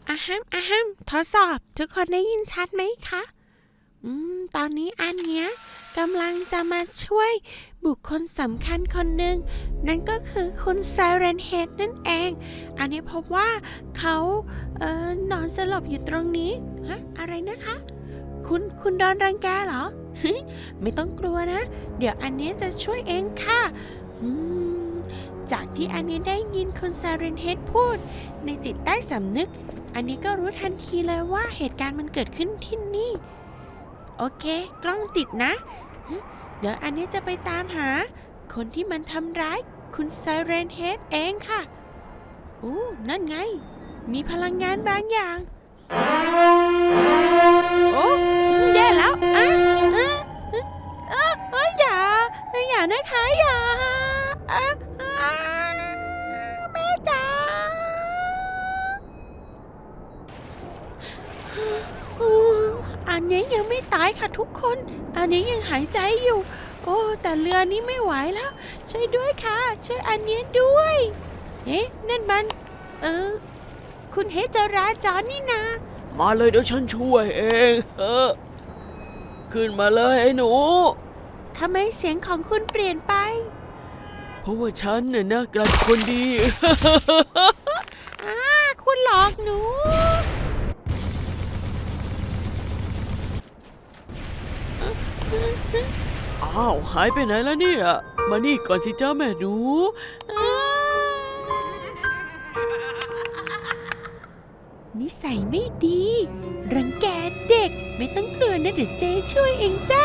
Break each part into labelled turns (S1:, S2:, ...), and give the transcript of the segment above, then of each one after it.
S1: อะฮัมทดสอบทุกคนได้ยินชัดไหมคะตอนนี้อันเนี้ยกำลังจะมาช่วยบุคคลสำคัญคนหนึ่งนั่นก็คือคุณไซเรนเฮดนั่นเองอันนี้พบว่าเขานอนสลบอยู่ตรงนี้อะไรนะคะคุณโดนรังแกเหรอ ไม่ต้องกลัวนะเดี๋ยวอันนี้จะช่วยเองค่ะจากที่อันนี้ได้ยินคุณไซเรนเฮดพูดในจิตใต้สำนึกอันนี้ก็รู้ทันทีเลยว่าเหตุการณ์มันเกิดขึ้นที่นี่โอเคกล้องติดนะเดี๋ยวอันนี้จะไปตามหาคนที่มันทำร้ายคุณไซเรนเฮดเองค่ะนั่นไงมีพลังงานบางอย่างโอ้แย่แล้วอย่านะคะอย่าแม่จ๋าอันนี้ยังไม่ตายค่ะทุกคนอันนี้ยังหายใจอยู่แต่เรือนี้ไม่ไหวแล้วช่วยด้วยค่ะช่วยอันนี้ด้วยนั่นมันคุณเฮจราจรนี่นา
S2: มาเลยเดี๋ยวฉันช่วยเองขึ้นมาเลยไอ้หนู
S1: ทำไมเสียงของคุณเปลี่ยนไป
S2: เพราะว่าฉันเนี่ยนะกลายเป็นคนดี
S1: คุณหลอกหนู
S2: อ้าวหายไปไหนแล้วเนี่ยมานี่ก่อนสิจ้าแม่หนู
S1: นิสัยไม่ดีรังแกเด็กไม่ต้องกลัวนะเดี๋ยวเจ๊ช่วยเองจ้า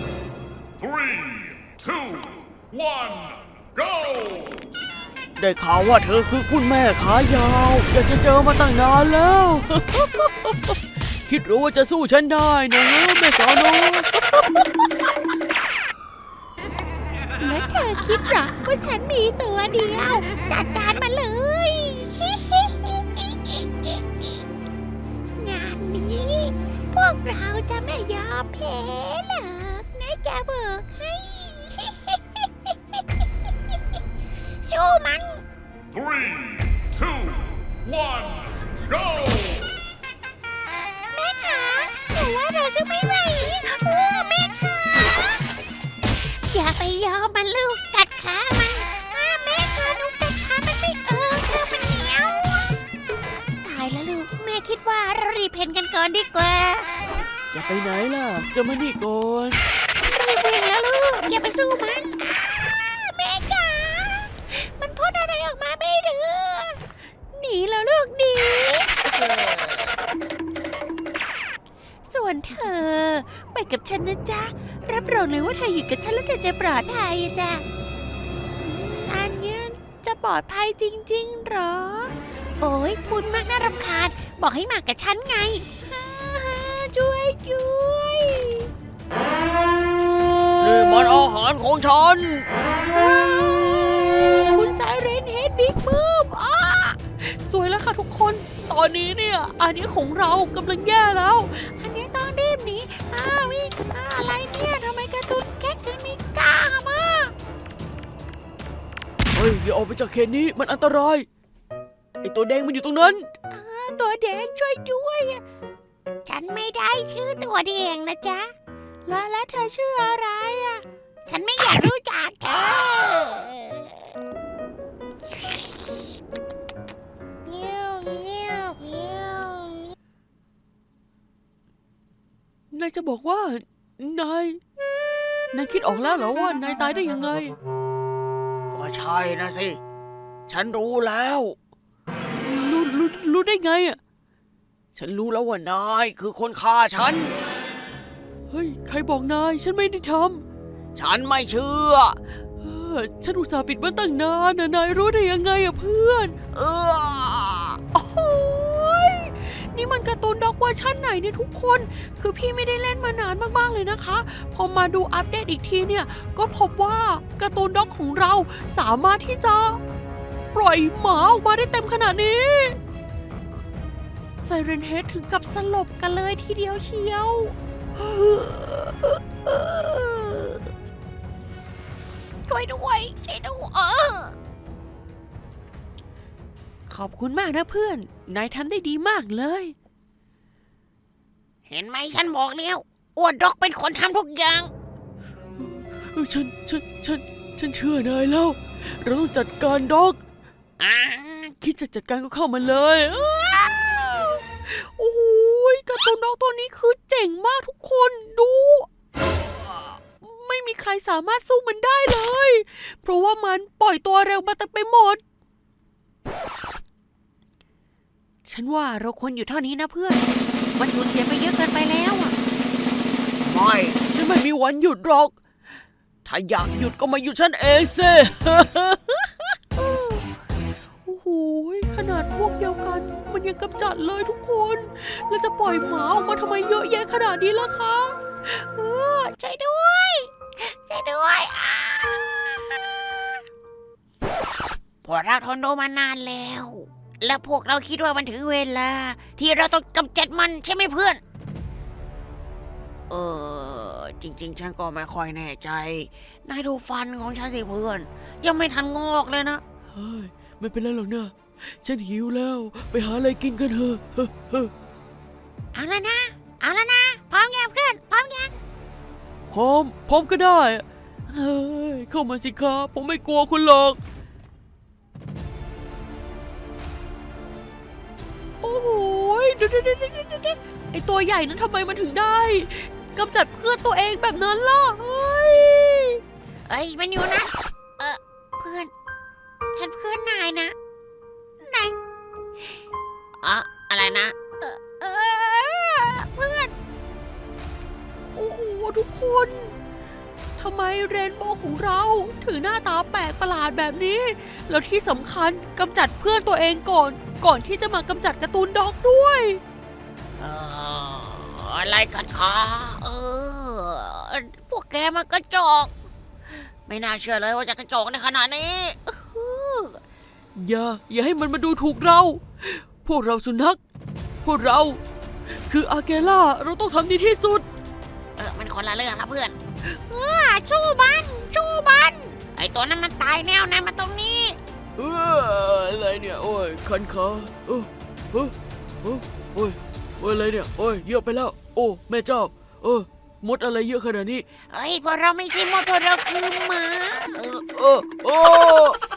S3: 3, 2, 1 go
S2: ได้ข่าวว่าเธอคือคุณแม่ขายาวอยากจะเจอมาตั้งนานแล้ว คิดรู้ว่าจะสู้ฉันได้นะแม่สาวน้อย
S1: และเธอคิดหรอว่าฉันมีตัวเดียวจัดการมาเลย งานนี้พวกเราจะไม่ยอมแพ้หรอกนะจะบอกให้ สู้มัน
S3: 3, 2, 1 go
S1: แม่คะหนูว่าเราสู้ไม่ไหวแม่คะอย่าไปยอมมันลูกกัดขามันแม่คะหนูกัดขามันไม่มันเหนียวตายแล้วลูกแม่คิดว่าเรารีบเพนกันก่อนดีกว่า
S2: จะไปไหนล่ะจะมานี่ก่อน
S1: รีบเพนแล้วลูกอย่าไปสู้มันแม่จ๋ามันพูดอะไรออกมาไม่รู้หนีแล้วลูกหนีส่วนเธอไปกับฉันนะจ๊ะรับรองเลยว่าเธออยู่กับฉันแล้วเธอจะปลอดภัยจ้ะอันนี้จะปลอดภัยจริงๆหรอโอ้ยพูดมากน่ารำคาญบอกให้มากับฉันไงช่วย
S2: นี่มันอาหารของฉัน
S1: คุณไซเรนเฮดบิ๊กบูมสวยแล้วค่ะทุกคนตอนนี้เนี่ยอันนี้ของเรากำลังแย่แล้วอันนี้ต้องรีบหนีวิ่งอะไรเนี่ยทำไมการ์ตูนแค่ถึงมีกล้ามาก
S2: เฮ้ยอย่าออกไปจากเขตนี้มันอันตรายไอตัวแดงมันอยู่ตรงนั้น
S1: ตัวแดงช่วยด้วยฉันไม่ได้ชื่อตัวแดงนะจ๊ะแล้วเธอชื่ออะไรฉันไม่อยากรู้จักเธ
S2: อนายจะบอกว่านายคิดออกแล้วเหรอว่านายตายได้ยังไงก็ใช่นะสิฉันรู้แล้วรู้ได้ไงฉันรู้แล้วว่านายคือคนฆ่าฉันเฮ้ยใครบอกนายฉันไม่ได้ทำฉันไม่เชื่อฉันอุตส่าห์ปิดมันตั้งนานนายรู้ได้ยังไงเพื่อน
S1: โอ้ยนี่มันการ์ตูนด็อกเวอร์ชันไหนเนี่ยทุกคนคือพี่ไม่ได้เล่นมานานมากๆเลยนะคะพอมาดูอัปเดตอีกทีเนี่ยก็พบว่าการ์ตูนด็อกของเราสามารถที่จะปล่อยหมาออกมาได้เต็มขนาดนี้ไซเรนเฮดถึงกับสลบกันเลยทีเดียวเชียวช่วยด้วยขอบคุณมากนะเพื่อน นายทำได้ดีมากเลย
S2: เห็นไหมฉันบอกแล้วอ้วนด็อกเป็นคนทำทุกอย่าง
S1: ฉันเชื่อนายแล้ว เราต้องจัดการด็อก
S2: อ่า
S1: คิดจะจัดการก็เข้ามาเลยโอ้โหการ์ตูนด็อกตัวนี้คือเจ๋งมากทุกคนดู ไม่มีใครสามารถสู้มันได้เลย เพราะว่ามันปล่อยตัวเร็วมาแต่ไปหมด ฉันว่าเราควรอยู่เท่านี้นะเพื่อน มันสูญเสียไปเยอะเกินไปแล้วอ่ะ
S2: ไม่ ฉันไม่มีวันหยุดหรอก ถ้าอยากหยุดก็มาหยุดฉันเองสิ
S1: โอ้โหขนาดพวกเดียวกัน มันยังกำจัดเลยทุกคนแล้วจะปล่อยหมาออกมาทำไมเยอะแยะขนาดนี้ล่ะคะช่วยด้วยช่วยด้วย
S2: พวกเราทนดูมานานแล้ว และพวกเราคิดว่ามันถึงเวลา ที่เราต้องกำจัดมันใช่ไหมเพื่อน จริงๆ ฉันก็ไม่ค่อยแน่ใจ นายดูฟันของฉันสิเพื่อน ยังไม่ทันงอกเลยนะ
S1: เฮ้ยไม่เป็นไรหรอกนะฉันหิวแล้วไปหาอะไรกินกันเถอะ
S2: เอาแล้วนะ เอาแล้วนะ พร้อมยังเพื่อน พร้อมยัง
S1: พร้อมก็ได้เฮ้ยเข้ามาสิครับผมไม่กลัวคุณหรอกโอ้โหดูไอตัวใหญ่นั้นทำไมมันถึงได้กำจัดเพื่อนตัวเองแบบนั้นล่ะเฮ้ย
S2: มันอยู่นะ เพื่อน ฉันเพื่อนนายนะ นายอะไรนะ เพื่อน
S1: โอ้โหทุกคนทำไมเรนโบว์ของเราถึงหน้าตาแปลกประหลาดแบบนี้ แล้วที่สำคัญกำจัดเพื่อนตัวเองก่อนที่จะมากำจัดการ์ตูนด็อกด้วย
S2: อะไรกันคะพวกแกมันกระจอกไม่น่าเชื่อเลยว่าจะกระจอกในขนาดนี้
S1: อย่าให้มันมาดูถูกเรา พวกเราสุนัขพวกเราคืออาเกล่าเราต้องทำดีที่สุด
S2: มันคนละเรื่องนะเพื่อนชู้บันไอตัวนั้นมันตายแน่วนายมาตรงนี้
S1: อะไรเนี่ยโอ้ยคันขาโอ้ยอะไรเนี่ยโอ้ยเยอะไปแล้วโอ้แม่เจ้ามดอะไรเยอะขนาดนี้
S2: พวกเราไม่ใช่มดพวกเราคือหมา
S1: โอ้